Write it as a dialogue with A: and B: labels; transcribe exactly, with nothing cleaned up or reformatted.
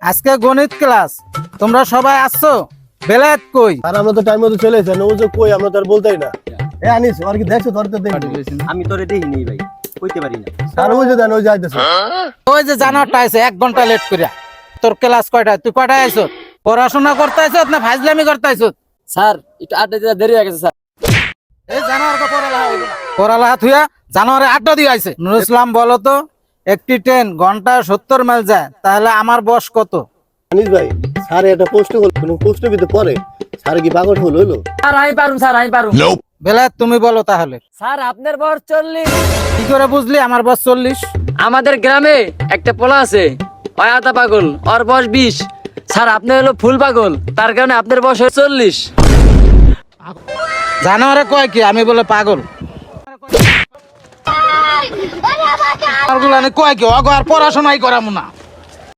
A: আজকে গণিত ক্লাস, তোমরা সবাই আসছো? বেলায়েত কই?
B: আর আমরা তো টাইম মতো চলে এসেছি, ও যে কই আমরা তো আর বলতেই না। এ আনিস, আর কি দেখছো? ধরতে দেখ।
C: আমি তোরে দেখিনি ভাই, কইতে পারি না।
B: আর ওই যে দেন, ওই যাইতেছে।
A: ওই যে জানারটা আছে এক ঘন্টা লেট করিয়া। তোর ক্লাস কয়টা? তুই কয়টায় আইছো? পড়াশোনা করতে আইছো না ফাজলামি করতে আইছো?
C: স্যার একটু আড্ডা দিতে দেরি হয়ে গেছে স্যার।
A: এই জানোয়ারকে পড়ালেখা হইলো না। পড়ালেখা থুয়া জানোয়ারে আড্ডা দিয়ে আইছে। নুরুল ইসলাম বলো তো, একটি ট্রেন ঘন্টায় সত্তর মাইল যায়, তাহলে আমার বয়স কত?
B: আনিস ভাই, স্যার একটা প্রশ্ন করলো, কোনো প্রশ্ন ভিতরে পড়ে স্যার কি পাগল হলো হলো?
C: স্যার আমি পারুম, স্যার আমি পারুম।
A: বেলায়েত তুমি বলো তাহলে।
C: স্যার আপনার বয়স চল্লিশ।
A: কি করে বুঝলি আমার বয়স চল্লিশ?
C: আমাদের গ্রামে একটা পোলা আছে, ওই আতা পাগল, ওর বয়স বিশ। স্যার আপনি হলো ফুল পাগল, তার কারণে আপনার বয়স হলো চল্লিশ।
A: জানোয়ারে কয় কি আমি বলে পাগল? আর গুলানে কয় কি অগো আর পড়াশোনাই করামু না।